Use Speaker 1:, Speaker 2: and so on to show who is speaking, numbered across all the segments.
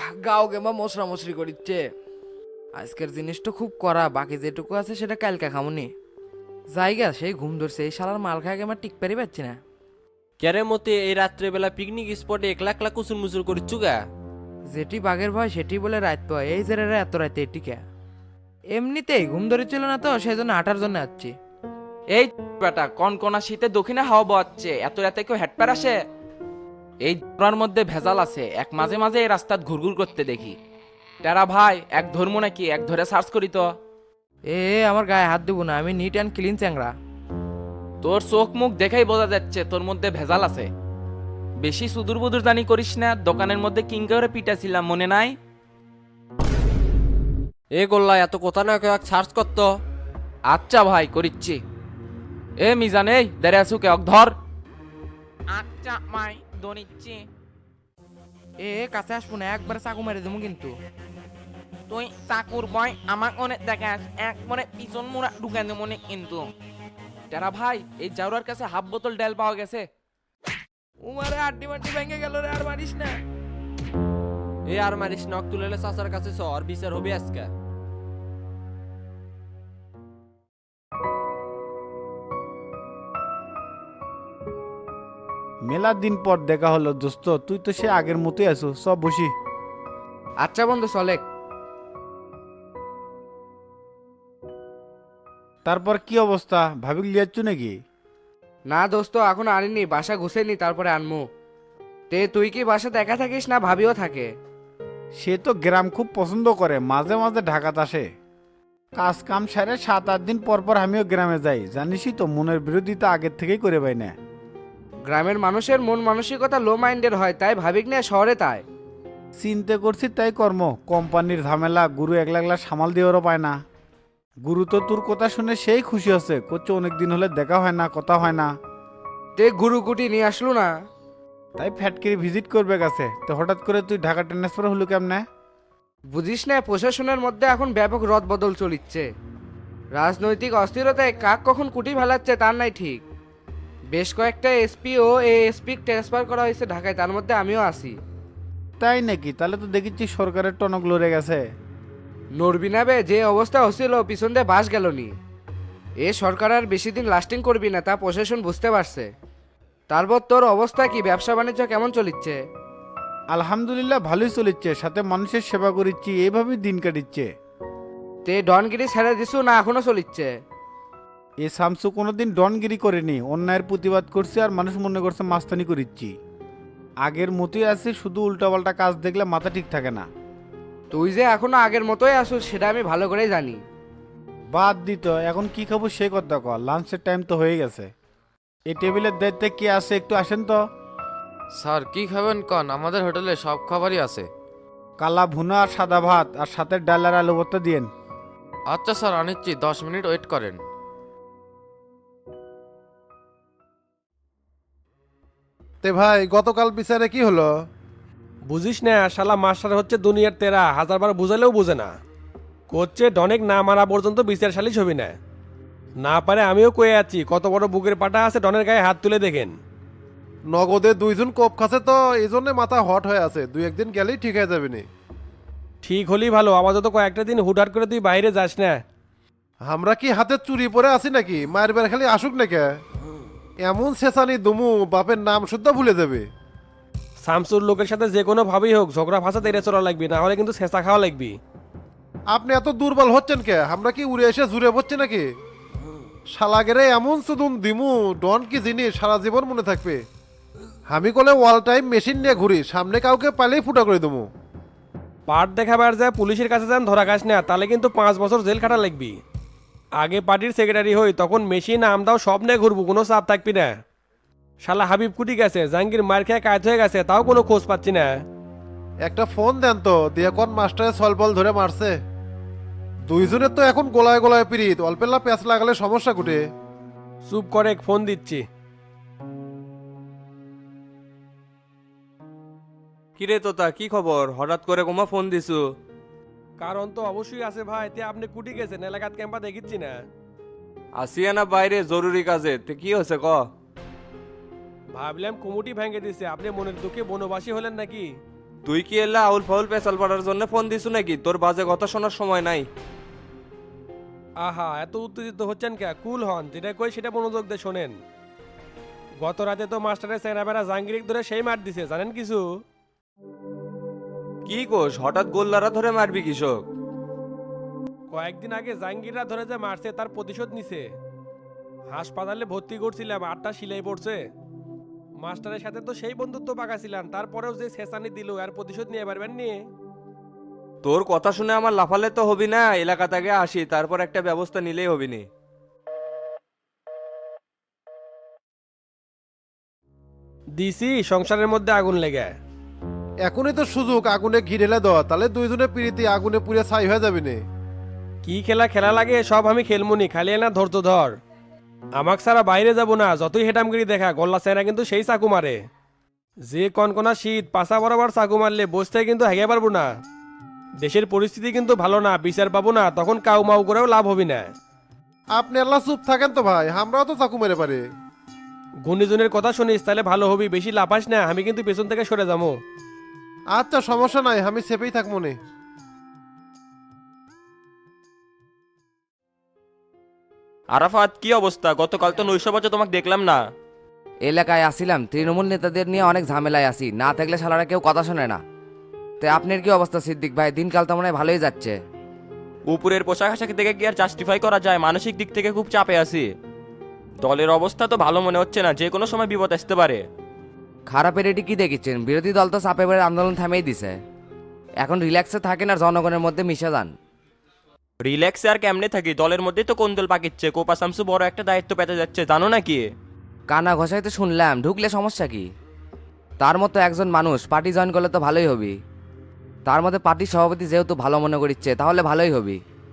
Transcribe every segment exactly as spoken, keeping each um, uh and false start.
Speaker 1: গাও গেমা মশরা মশরি করিচ্ছে। আজকের জিনিসটা খুব করা, বাকি যেটুকু আছে সেটা কালকে খামুনি। জায়গা সেই ঘুম ধরছে, এই শালার মাল খায় আমার টিক পারি পাচ্ছি না।
Speaker 2: ক্যারে মতে এই রাত্রেবেলা পিকনিক স্পটে একলা একলা কুচুর মুচুর করিচ্ছু গা।
Speaker 1: যেটি বাঘের ভয় সেটি বলে রাত পায়, এই যে রে এত রাতে এটিকে এমনিতেই ঘুম ধরেছিল না তো সেই জন্য হাঁটার জন্য আসছি।
Speaker 3: এই বেটা কনকনা শীতে দক্ষিণে হাওয়া বওয়াচ্ছে, এত রাতে কেউ হেডপ্যার আসে? এই জোড়ার মধ্যে ভেজাল আছে, এক মাঝে মাঝে এই রাস্তাত ঘুরঘুর করতে দেখি। টেরা ভাই এক ধর্ম নাকি, এক ধরে সার্চ করি তো।
Speaker 1: এ এ, আমার গায়ে হাত দেবো না, আমি নিট অ্যান্ড ক্লিন চ্যাংরা।
Speaker 3: তোর চোখ মুখ দেখেই বোঝা যাচ্ছে তোর মধ্যে ভেজাল আছে। বেশি সুদূর বুদুর জানি করিস না, দোকানের মধ্যে কিং করে পিটাছিলাম মনে নাই?
Speaker 2: এ গোল্লা এত কথা না কয়েক সার্চ করতো।
Speaker 3: আচ্ছা ভাই করিচ্ছি। এ মিজান এই দেরে আসু কে ধর। আচ্ছা মাই দনিচ্ছি।
Speaker 1: এ এ, কাছে আসবো না, একবার চাকু মেরে দেবো কিন্তু।
Speaker 3: তুই চাকুর বয় আমার মনে দেখাস, এক মনে পিছন মোড়া ঢুকে দে মনে কিন্তু। টেরা ভাই এই জাউরার কাছে হাফ বোতল ডেল পাওয়া গেছে।
Speaker 1: উমারে আড্ডি মাড্ডি ভেঙে গেল রে, আর মারিস না।
Speaker 2: এ আর মারিস নক তুলেলে চাচার কাছে চ, আর বিচার হবে আজকে।
Speaker 4: মেলা দিন পর দেখা হলো দোস্ত, তুই তো সে আগের মতোই আছো, সব বসি।
Speaker 1: আচ্ছা বন্ধু চলে।
Speaker 4: তারপর কি অবস্থা, ভাবি লিয়াচ্ছু নাকি?
Speaker 1: না দোস্ত এখন আনিনি, বাসা ঘুষেনি তারপরে আনমু। তে তুই কি বাসা দেখা থাকিস না ভাবিও থাকে?
Speaker 4: সে তো গ্রাম খুব পছন্দ করে, মাঝে মাঝে ঢাকাতে আসে। কাজ কাম সারে সাত আট দিন পর পর আমিও গ্রামে যাই, জানিসই তো মনের বিরোধিতা আগের থেকেই করে পাই না।
Speaker 1: গ্রামের মানুষের মন মানসিকতা লো মাইন্ডের হয়, তাই ভাবিক না শহরে তাই।
Speaker 4: চিন্তা করছি তাই কর্ম, কোম্পানির ঝামেলা, গুরু একলা একলা সামাল দিয়েও পায় না। গুরু তো তোর কথা শুনে সেই খুশি হচ্ছে, করছে অনেকদিন হলে দেখা হয় না, কথা হয় না।
Speaker 1: তে গুরু কুটি নিয়ে আসলো না?
Speaker 4: তাই ফ্যাটকেরি ভিজিট করবে গেছে, তো হঠাৎ করে তুই ঢাকা ট্রান্সফার হলো কেমনে?
Speaker 1: বুঝিস না, প্রশাসনের মধ্যে এখন ব্যাপক রদ বদল চলিচ্ছে। রাজনৈতিক অস্থিরতায় কাক কখন কুটি ফেলাচ্ছে তার নাই ঠিক। বেশ কয়েকটা এসপি ও এএসপি ট্রান্সফার করা হয়েছে ঢাকায়, তার মধ্যে আমিও আছি।
Speaker 4: তাই নাকি? তাহলে তো দেখেছি সরকারের টনক লড়ে গেছে।
Speaker 1: নড়বি না বে, যে অবস্থা হচ্ছিল পিছন দিয়ে বাস গেল নি। এ সরকার আর বেশি দিন লাস্টিং করবি না, তা প্রশাসন বুঝতে পারছে। তারপর তোর অবস্থা কি, ব্যবসা বাণিজ্য কেমন চলিচ্ছে?
Speaker 4: আলহামদুলিল্লাহ ভালোই চলিচ্ছে, সাথে মানুষের সেবা করিচ্ছি, এইভাবেই দিন কাটিচ্ছে।
Speaker 1: তে ডনগিরি ছেড়ে দিছু না এখনো চলিচ্ছে?
Speaker 4: এ শামসু কোনোদিন ডনগিরি করেনি, অন্যায়ের প্রতিবাদ করছে আর মানুষ মনে করছে মাস্তানি করিচ্ছি। আগের মতোই আছে, শুধু উল্টাপাল্টা কাজ দেখলে মাথা ঠিক থাকে না।
Speaker 1: তুই যে এখনো আগের মতোই আসুস সেটা আমি ভালো করেই জানি।
Speaker 4: বাদ দিত, এখন কি খাবো সে কথা কর, লাঞ্চের টাইম তো হয়ে গেছে। এই টেবিলের দায়িত্বে কে আছে একটু আসেন তো।
Speaker 5: স্যার কি খাবেন কন, আমাদের হোটেলে সব খাবারই আছে।
Speaker 4: কালা ভুনা আর সাদা ভাত, আর সাথে ডাল আর আলু ভর্তা দিয়েন।
Speaker 5: আচ্ছা স্যার আনিচ্ছি, দশ মিনিট ওয়েট করেন।
Speaker 6: তে ভাই গতকাল বিচারে কি হলো?
Speaker 7: বুঝিস না, শালা মাস্টার হচ্ছে দুনিয়ার তেরা, হাজারবার বুঝালেও বুঝে না। করছে ডনেক না মারা পর্যন্ত বিচার সালিশ হবি না। না পারে আমিও কয়ে আছি, কত বড় বুকের পাটা আছে, ডনের গায়ে হাত তুলে দেখেন।
Speaker 6: নগদে দুইজন কোপ খাচ্ছে তো এই জন্য মাথা হট হয়ে আছে, দুই একদিন গেলেই ঠিক হয়ে যাবে নি।
Speaker 7: ঠিক হলেই ভালো, আপাতত কয়েকটা দিন হুটহাট করে তুই বাইরে যাস না।
Speaker 6: আমরা কি হাতে চুরি পরে আছি নাকি, মায়ের বের খালি আসুক নাকি? এমন শেষানি দুমু বাপের নাম শুদ্ধ ভুলে যাবে।
Speaker 7: শামসুর লোকের সাথে যে কোনো ভাবেই হোক ঝগড়া ফাঁসা তেরে চলা লাগবি, না হলে কিন্তু শেষা খাওয়া লাগবি।
Speaker 6: আপনি এত দুর্বল হচ্ছেন কে? আমরা কি উড়ে এসে জুড়ে পড়ছি নাকি? শালাগেরে এমন সুদুম দিমু, ডন কি জিনিস সারা জীবন মনে থাকবে। আমি কলে ওয়াল টাইম মেশিন নিয়ে ঘুরি, সামনে কাউকে পালেই ফুটা করে দেবো।
Speaker 7: পাট দেখাবার যায় পুলিশের কাছে যান, ধরা খাস না, তাহলে কিন্তু পাঁচ বছর জেল খাটা লাগবি। আগে পার্টির সেক্রেটারি হই, তখন মেশিন আমদাও সব নিয়ে ঘুরবো, কোনো চাপ থাকবি না। শালা হাবিব কুটি গেছে, জাহাঙ্গীর মার খেয়ে কাজ হয়ে গেছে, তাও কোনো খোঁজ পাচ্ছি না।
Speaker 6: একটা ফোন দেন তো, দিয়ে কোন মাস্টারে সলবল ধরে মারছে। দুইজনের তো এখন গোলায় গোলায় পিরিত, অল্পেল্লা প্যাঁচ লাগালে সমস্যা কুটে।
Speaker 7: চুপ করে ফোন দিচ্ছি।
Speaker 2: কিরে তোতা, কি খবর? হঠাৎ করে কোমা ফোন দিছু?
Speaker 7: কারণ তো অবশ্যই আছে ভাই, তে আপনি কুটি গেছেন, এলাকাত ক্যাম্পা দেখিচ্ছি না।
Speaker 2: আসিয়া না বাইরে জরুরি কাজে, তে কি হয়েছে ক?
Speaker 7: ভাবলাম কুমুটি ভেঙে দিছে, আপনি মনের দুঃখে বনবাসী হলেন নাকি?
Speaker 2: তুই কি এলা আউল ফাউল পেশাল পাড়ার জন্য ফোন দিছু নাকি? তোর বাজে কথা শোনার সময় নাই।
Speaker 7: আহা, এত উত্তেজিত হচ্ছেন কে? কুল হন, যেটা কই সেটা মনোযোগ দিয়ে শোনেন। গত রাতে তো মাস্টারের সেনাবেরা জাহাঙ্গীর ধরে সেই মার দিছে, জানেন কিছু?
Speaker 2: কি কোষ, হঠাৎ গোল্লারা ধরে মারবি কৃষক?
Speaker 7: কয়েকদিন আগে জাহাঙ্গীররা ধরে যে মারছে তার প্রতিশোধ নিছে। হাসপাতালে ভর্তি করছিলাম, আটটা সিলাই পড়ছে। মাস্টারের সাথে তো সেই বন্ধুত্ব পাকাছিলাম, তারপরেও যে শেষানি দিল আর প্রতিশোধ নিয়ে পারবেন নি?
Speaker 2: তোর কথা শুনে আমার লাফালে তো হবি না, এলাকা থেকে আসি, তারপর একটা ব্যবস্থা নিলেই হবি নি।
Speaker 7: দিছি সংসারের মধ্যে আগুন লেগে।
Speaker 6: এখনই তো সুযোগ আগুনে ঘি ঢেলে দেওয়া, তাহলে দুইজনে পিড়িতে আগুনে পুড়ে ছাই হয়ে যাবি নে।
Speaker 7: কি খেলা খেলা লাগে সব আমি খেলমুনি, খালি না ধৈর্য ধর। আমাক সারা বাইরে যাব না, যতই হেটামগিরি দেখা, গল্লা সেনা কিন্তু সেই চাকু মারে। যে কনকনা শীত, পাশা বরাবর চাকু মারলে বসতে কিন্তু হেগে পারবো না। দেশের পরিস্থিতি কিন্তু ভালো না, বিচার পাবো না, তখন কাউ মাউ করেও লাভ হবি না।
Speaker 6: আপনি আল্লাহ চুপ থাকেন তো ভাই, আমরাও তো চাকু মেরে পারি।
Speaker 7: গুণীজনের কথা শুনিস তাহলে ভালো হবি, বেশি লাফাস না, আমি কিন্তু পেছন থেকে সরে যাবো।
Speaker 6: আচ্ছা সমস্যা নাই, আমি সেপেই থাকবো নে।
Speaker 2: আরাফাত, কি অবস্থা? গতকাল তো নৈশবাজে তোমাকে দেখলাম না।
Speaker 8: এলাকায় আসিলাম, তৃণমূল নেতাদের নিয়ে অনেক ঝামেলায় আছি, না থাকলে শালারা কেউ কথা শোনে না। তো আপনার কি অবস্থা সিদ্দিক ভাই? দিনকাল তো মনে হয় ভালোই যাচ্ছে।
Speaker 2: উপরের পোশাক আশাক দেখে কি আর জাস্টিফাই করা যায়? মানসিক দিক থেকে খুব চাপে আছি। দলের অবস্থা তো ভালো মনে হচ্ছে না, যে কোনো সময় বিপদ আসতে পারে।
Speaker 8: খারাপের এটি কি দেখেছেন? বিরোধী দল তো চাপে পড়ে আন্দোলন থামিয়ে দিছে। এখন রিল্যাক্সে থাকেন আর জনগণের মধ্যে মিশে যান।
Speaker 2: রিল্যাক্সে আর কেমনে থাকি? দলের মধ্যেই তো কোন্দল পাকিচ্ছে। কোপা শামসু বড় একটা দায়িত্ব পেতে যাচ্ছে, জানো নাকি?
Speaker 8: কানা ঘষাইতে শুনলাম, ঢুকলে সমস্যা কি? তার মতো একজন মানুষ পার্টি জয়েন করলে তো ভালোই হবি। তার মধ্যে পার্টির সভাপতি যেহেতু ভালো মনে করিচ্ছে, তাহলে ভালোই হবি।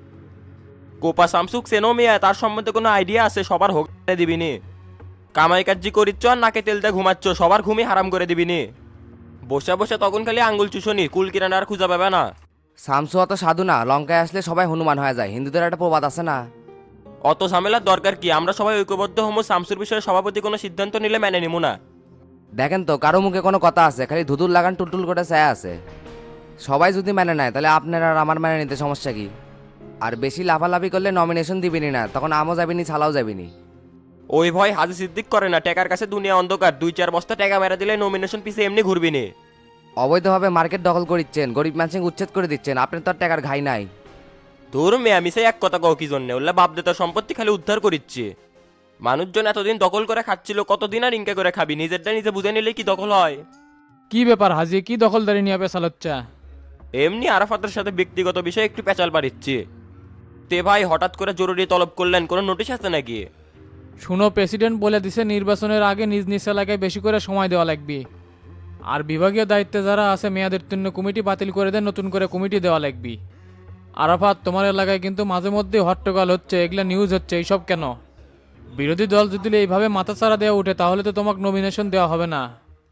Speaker 2: কোপা শামসুক সেনো মিয়া, তার সম্বন্ধে কোনো আইডিয়া আছে? সবার হোক দিবিনি। কামাই কাজি করিচ্ছ আর নাকে তেলতে ঘুমাচ্ছ, সবার ঘুমই হারাম করে দিবিনি। বসে বসে তখন খালি আঙ্গুল চুষনি, কুল কিরানা আর খুঁজা পাবে না।
Speaker 8: শামসু অত সাধু না, লঙ্কায় আসলে সবাই হনুমান হয়ে যায়, হিন্দুদের একটা প্রবাদ আছে না?
Speaker 2: অত ঝামেলার দরকার কি? আমরা সবাই ঐক্যবদ্ধ হমো, শামসুর বিষয়ে সভাপতি কোনো সিদ্ধান্ত নিলে মেনে নিমু না।
Speaker 8: দেখেন তো, কারো মুখে কোনো কথা আছে? খালি ধুতুর লাগান টুলটুল করে চায় আছে। সবাই যদি মেনে নেয় তাহলে আপনার আর আমার মেনে নিতে সমস্যা কি? আর বেশি লাফালাফি করলে নমিনেশন দিবিনি না, তখন আমও যাবিনি, ছালাও যাবিনি।
Speaker 2: ওই ভয় হাজি সিদ্দিক করে না, টাকার কাছে দুনিয়া অন্ধকার। দুই চার বস্তা টাকা মেরা দিলে নমিনেশন পিছে এমনি ঘুরবি নি।
Speaker 8: অবৈধভাবে মার্কেট দখল করিচ্ছেন, গরিব মানুষকে উচ্ছেদ করে দিচ্ছেন, আপনার তো আর টাকার ঘাই নাই।
Speaker 2: তোর মেয়ে আমি সেই এক কথা কও কি জন্য? ওল্লা বাপ দেতার সম্পত্তি খালি উদ্ধার করিচ্ছি। মানুষজন এতদিন দখল করে খাচ্ছিল, কতদিন আর ইনকা করে খাবি? নিজেরটা নিজে বুঝে নিলে কি দখল হয়?
Speaker 9: কি ব্যাপার হাজি, কি দখলদারি নিয়ে পেশাল হচ্ছে?
Speaker 2: এমনি আরাফাতের সাথে ব্যক্তিগত বিষয়ে একটু পেঁচাল পারিচ্ছি। তে ভাই, হঠাৎ করে জরুরি তলব করলেন, কোনো নোটিশ আছে নাকি?
Speaker 9: শুনো, প্রেসিডেন্ট বলে দিছে নির্বাচনের আগে নিজ নিজ এলাকায় বেশি করে সময় দেওয়া লাগবে। আর বিভাগীয় দায়িত্বে যারা আছে মেয়াদের জন্য কমিটি বাতিল করে দেন, নতুন করে কমিটি দেওয়া লাগবে। আরাফাত, তোমার এলাকায় কিন্তু মাঝে মধ্যে হট্টগোল হচ্ছে, এগুলা নিউজ হচ্ছে, এইসব কেন? বিরোধী দল যদি এইভাবে মাথাচাড়া দেওয়া উঠে তাহলে তো তোমাকে নমিনেশন দেওয়া হবে না।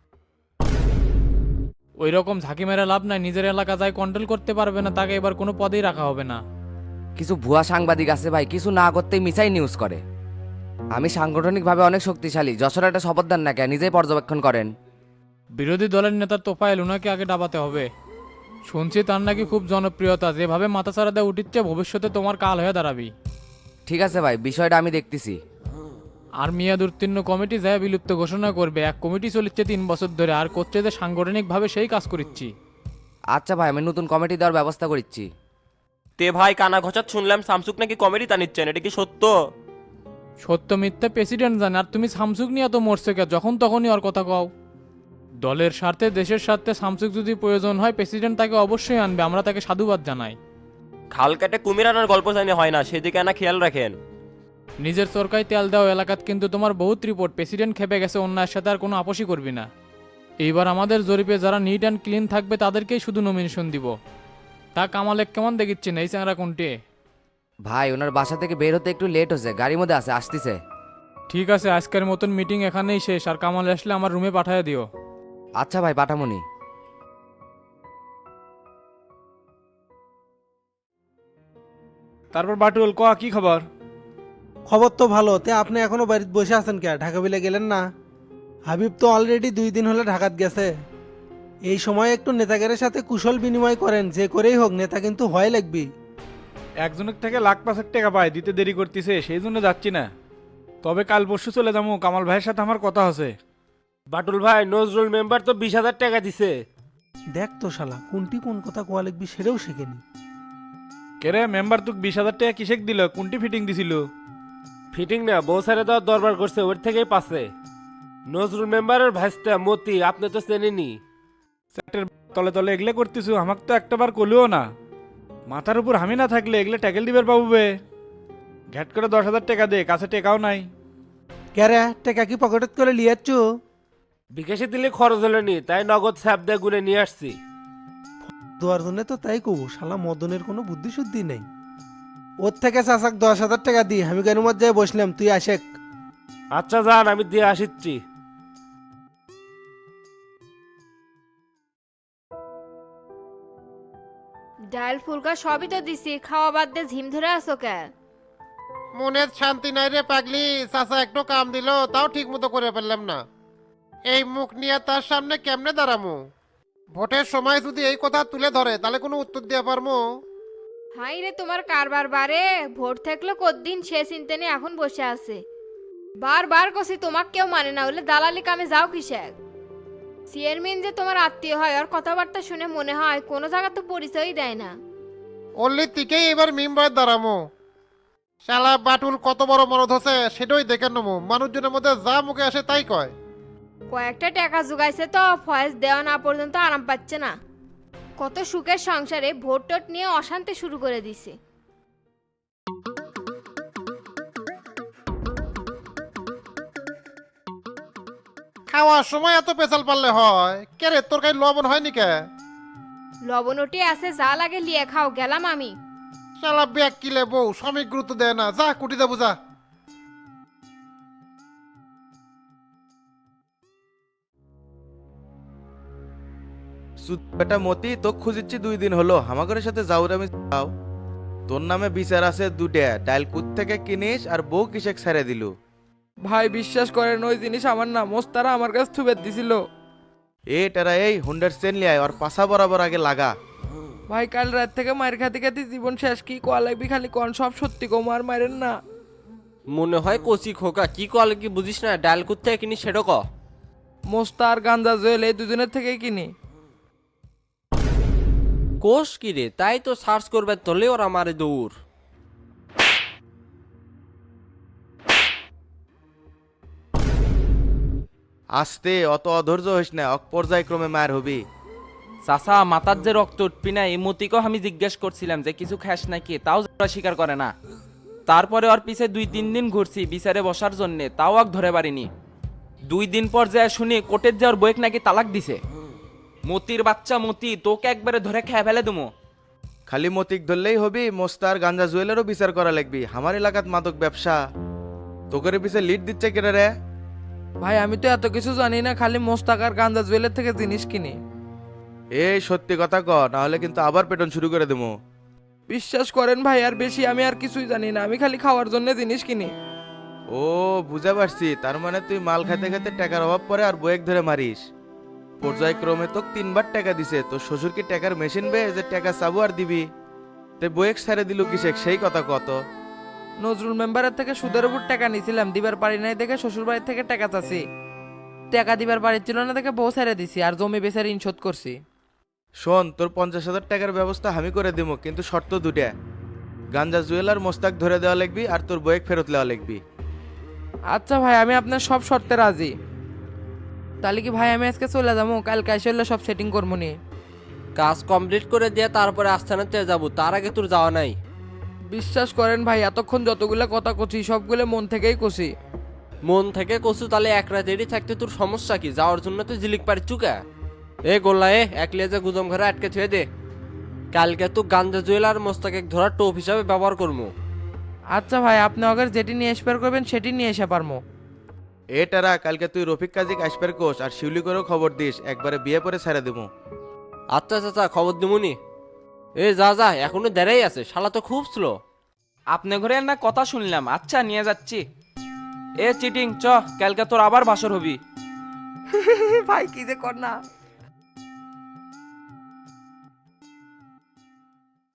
Speaker 9: ওই রকম ঝাঁকি মেরে লাভ নাই, নিজের এলাকা যায় কন্ট্রোল করতে পারবে না, তাকে এবার কোনো পদেই রাখা হবে না।
Speaker 8: কিছু ভুয়া সাংবাদিক আছে ভাই, কিছু না করতেই মিসাই নিউজ করে। আমি সাংগঠনিকভাবে অনেক শক্তিশালী, যশোর একটা শপথ দেন না কে, নিজেই পর্যবেক্ষণ করেন।
Speaker 9: বিরোধী দলের নেতার তোফায়েল, ওনাকে আগে ডাবাতে হবে। শুনছি তার নাকি খুব জনপ্রিয়তা, যেভাবে মাথাচাড়া দেওয়া উঠিচ্ছে ভবিষ্যতে তোমার কাল হয়ে দাঁড়াবি।
Speaker 8: ঠিক আছে ভাই, বিষয়টা আমি দেখতেছি।
Speaker 9: আর মেয়াদ উত্তীর্ণ কমিটি যায় বিলুপ্ত ঘোষণা করবে। এক কমিটি চলিচ্ছে তিন বছর ধরে, আর করছে যে সাংগঠনিকভাবে সেই কাজ করিচ্ছি।
Speaker 8: আচ্ছা ভাই, আমি নতুন কমিটি দেওয়ার ব্যবস্থা করছি।
Speaker 2: তে ভাই, কানা ঘষাত শুনলাম শামসুক নাকি কমেডি টানিচ্ছেন, এটা কি সত্য?
Speaker 9: সত্য মিথ্যা প্রেসিডেন্ট জানে, আর তুমি সামসুক নিয়ে তো মরছে কে? যখন তখনই ওর কথা কও। দলের স্বার্থে, দেশের স্বার্থে সামসুক যদি প্রয়োজন হয় প্রেসিডেন্ট তাকে অবশ্যই আনবে, আমরা তাকে সাধুবাদ জানাই।
Speaker 2: খাল কাটে কুমির আনার গল্প জানি হয় না, সেদিকে আনা খেয়াল রাখেন।
Speaker 9: নিজের সরকারি তেল দাও এলাকাত, কিন্তু তোমার বহুত রিপোর্ট, প্রেসিডেন্ট খেপে গেছে, অন্যায়ের সাথে আর কোনো আপোষই করবি না। এইবার আমাদের জরিপে যারা নিট অ্যান্ড ক্লিন থাকবে তাদেরকেই শুধু নমিনেশন দিব। তা কামালেক কেমন দেখিচ্ছেন এই চ্যাংরা কোনটি?
Speaker 8: ভাই, ওনার বাসা থেকে বের হতে একটু লেট হচ্ছে, গাড়ির মধ্যে আছে, আসতেছে।
Speaker 9: ঠিক আছে, আজকের মতন মিটিং এখানেই শেষ, আর কামাল আসলে আমার রুমে পাঠিয়ে দিও।
Speaker 8: আচ্ছা ভাই, পাঠামনি।
Speaker 7: তারপর বাটুল ক, কি খবর?
Speaker 10: খবর তো ভালো। তে আপনি এখনো বাড়িতে বসে আছেন কে? ঢাকা বিলে গেলেন না? হাবিব তো অলরেডি দুই দিন হলে ঢাকাত গেছে। এই সময় একটু নেতাগের সাথে কুশল বিনিময় করেন, যে করেই হোক নেতা কিন্তু হয় লাগবে।
Speaker 4: একজনের থেকে লাখ পাঁচেক টাকা পায়, দিতে দেরি করতেছে সেই জন্য যাচ্ছি না। তবে কাল পরশু চলে যাবো, কামাল ভাইয়ের সাথে আমার কথা আছে।
Speaker 7: বাটুল ভাই, নজরুল মেম্বার তো বিশ হাজার টাকা দিছে।
Speaker 10: দেখ তো শালা কোনটি কোন কথা কোয়া লাগবি সেটাও শেখেনি।
Speaker 4: কেরে মেম্বার তোকে বিশ হাজার টাকা কিসেক দিল, কোনটি ফিটিং দিছিল?
Speaker 7: ফিটিং না, বউ সারে দেওয়ার দরবার করছে, ওর থেকেই পাচ্ছে। নজরুল মেম্বারের ভাইস্তা মতি, আপনি তো চেনেনি।
Speaker 4: চ্যাটের তলে তলে এগলে করতেছু, আমাকে তো একটাবার কলিও না। মাথার উপর হামি না থাকলে এগলে ট্যাকেল দিবার পাবো বে। ঘ্যাট করে দশ হাজার টাকা দে, কাছে টেকাও নাই।
Speaker 10: ক্যারে টাকা কি পকেটত করে লিয়াচ্ছ?
Speaker 7: বিকাশে দিলে খরচ হলেনি, তাই নগদ স্যাপ দিয়ে গুনে নিয়ে আসছি।
Speaker 10: দেওয়ার জন্য তো তাই কব, শালা মদনের কোনো বুদ্ধি শুদ্ধি নেই। ওর থেকে চাচাক দশ হাজার টাকা দি, আমি কেন মজ্জায় বসলাম, তুই আসেক।
Speaker 7: আচ্ছা যান, আমি দিয়ে আসিচ্ছি।
Speaker 11: ডাল ফুলকা সবই তো দিছি, খাওয়া বাদ দিয়ে ঝিম ধরে আসো কে?
Speaker 6: মনের শান্তি নাই রে পাগলি, চাচা একটু কাম দিল তাও ঠিক মতো করে ফেললাম না। এই মুখ নিয়ে তার সামনে কেমনে দাঁড়ামু? ভোটের সময় যদি এই কথা তুলে ধরে তাহলে কোনো উত্তর দিয়ে পারবো?
Speaker 11: হাই রে তোমার কারবার বারে, ভোট থাকলে কতদিন সে চিন্তা নিয়ে এখন বসে আছে। বারবার কছি তোমাক কেউ মানে না, হলে দালালি কামে যাও কিসেক? চেয়ারম্যান যে তোমার আত্মীয় হয়, আর কথাবার্তা শুনে মনে হয় কোনো জায়গা তো পরিচয়ই দেয় না।
Speaker 6: অল্লি তিকেই এবার মিম্বারের দাঁড়ামো। শালা বাটুল কত বড় মরদ হচ্ছে সেটাই দেখে নেবো, মানুষজনের মধ্যে যা মুখে আসে তাই কয়।
Speaker 11: কয়েকটা টাকা জোগাইছে তো, ফয়েজ দেওয়া না পর্যন্ত আরাম পাচ্ছে না। কত সুখের সংসারে ভোট টোট নিয়ে অশান্তি শুরু করে দিছে।
Speaker 6: খাওয়ার সময় এত পেছাল পারলে হয়? কে রে তোর কাছে লবণ হয়নি কে?
Speaker 11: লবণটি আছে, যা লাগে লিয়ে খাও, গেলাম আমি।
Speaker 6: শালা ব্যাগ কিলে বউ স্বামী গুরুত্ব দেয় না, যা কুটি যাবো যা।
Speaker 12: বেটা মতি, তো খুঁজিচ্ছি দুই দিন হলো, হামাগরের সাথে যাও রে। আমি যাও, তোর নামে বিচার আছে দুটা, ডাইল কুত থেকে কিনিস আর বউ কিসেক ছেড়ে দিলু।
Speaker 1: ভাই বিশ্বাস করেন, ওই জিনিস আমার না, মোস্তারা আমার কাছে থুবে দিছিল।
Speaker 12: এ টেরা, এই হুন্ডার চেন লিয়ায় আর পাশা বরাবর আগে লাগা।
Speaker 1: ভাই কাল রাত থেকে মায়ের খাতে খাতে জীবন শেষ, কি কোয়া লাগবি খালি কন, সব সত্যি কো, মার মারেন না।
Speaker 2: মনে হয় কচি খোকা, কি কল কি বুঝিস না, ডাল কুত্তে কিনি সেটা ক।
Speaker 1: মোস্তা আর গাঞ্জা জুয়েল এই দুজনের থেকেই কিনি।
Speaker 2: কোষ কি রে, তাই তো সার্চ করবে তোলে ওরা মারে দৌড়।
Speaker 12: আস্তে, অত অধৈর্য হইস না, অক পর্যায়ক্রমে মায়ের হবি।
Speaker 3: চাচা মাথার যে রক্ত উঠবি না, এই মতিকেও আমি জিজ্ঞেস করছিলাম যে কিছু খাস নাকি, তাও ওরা স্বীকার করে না। তারপরে ওর পিছে দুই তিন দিন ঘুরছি বিচারে বসার জন্য, তাও আর ধরে পারিনি। দুই দিন পর যায় শুনি কোর্টের যাওয়ার বইক নাকি তালাক দিছে। মতির বাচ্চা মতি, তোকে একবারে ধরে খেয়ে ফেলে দেবো।
Speaker 12: খালি মতিক ধরলেই হবি? মোস্তার গাঞ্জা জুয়েলেরও বিচার করা লাগবি। আমার এলাকাত মাদক ব্যবসা, তোকের পিছে লিড দিচ্ছে কেটে রে?
Speaker 1: ভাই আমি তো এত কিছু জানি না, খালি মোস্তাক আর গাঞ্জা জুয়েলের থেকে জিনিস কিনি।
Speaker 12: এই সত্যি কথা ক, নাহলে কিন্তু আবার পেটন শুরু করে দেবো।
Speaker 1: বিশ্বাস করেন ভাই, আর বেশি আমি আর কিছুই জানি না, আমি খালি খাওয়ার জন্য জিনিস কিনি।
Speaker 12: ও বুঝা পারছি, তার মানে তুই মাল খাইতে খাইতে টাকার অভাব পড়ে আর বয়েক ধরে মারিস। পর্যায়ক্রমে তোকে তিনবার টাকা দিছে, তোর শ্বশুর কি টাকার মেশিন বে যে টাকা চাবো আর দিবি? তে বয়েক ছেড়ে দিল কিসেক, সেই কথা কত?
Speaker 1: নজরুল মেম্বারের থেকে সুদের উপর টাকা নিয়েছিলাম, দিবার পারি নাই দেখে শ্বশুর বাড়ির থেকে টাকা চাচ্ছি। টাকা দিবার পারি ছিল না দেখে বউ ছেড়ে দিছি, আর জমি বেচে ঋণ শোধ করছি।
Speaker 12: শোন, তোর পঞ্চাশ হাজার টাকার ব্যবস্থা আমি করে দিব, কিন্তু শর্ত দুটা। গাঞ্জা জুয়েলার মোস্তাক ধরে দেওয়া লাগবি আর তোর বয়েক ফেরত দেওয়া লাগবি।
Speaker 1: আচ্ছা ভাই, আমি আপনার সব শর্তে রাজি। তাহলে কি ভাই আমি আজকে চলে যাবো, কালকে এসে হলে সব সেটিং করবো নি।
Speaker 2: কাজ কমপ্লিট করে দিয়ে তারপরে আস্থানাতে যাবো, তার আগে তোর যাওয়া নাই।
Speaker 1: বিশ্বাস করেন ভাই, এতক্ষণ যতগুলো কথা কছি সবগুলো মন থেকেই কছি।
Speaker 2: মন থেকে কসু, তাহলে এক রাতেরই থাকতে তোর সমস্যা কি? যাওয়ার জন্য তো জিলিক পারি চুকা। এ গোল্লা, এ একলে যে গুদম ঘরে আটকে ছুঁয়ে দে। কালকে তো গাঞ্জা জুয়েলার মোস্তাকে ধরার টোপ হিসাবে ব্যবহার করবো।
Speaker 1: আচ্ছা ভাই, আপনি আগে যেটি নিয়ে এসপার করবেন সেটি নিয়ে এসে পারবো।
Speaker 12: এটারা কালকে তুই রফিক কাজিক আসবার কোষ আর শিউলি করেও খবর দিস, একবারে বিয়ে করে ছেড়ে দেবো।
Speaker 2: আচ্ছা চাচা, খবর দিমুনি। এ যা যা, এখনো দেরাই আছে, শালা তো খুব স্লো।
Speaker 3: আপনি ঘরে না কথা শুনলাম, আচ্ছা নিয়ে যাচ্ছি। এ চিটিং চ, কালকে তোর আবার বাসর হবি।
Speaker 1: ভাই কি যে কর না।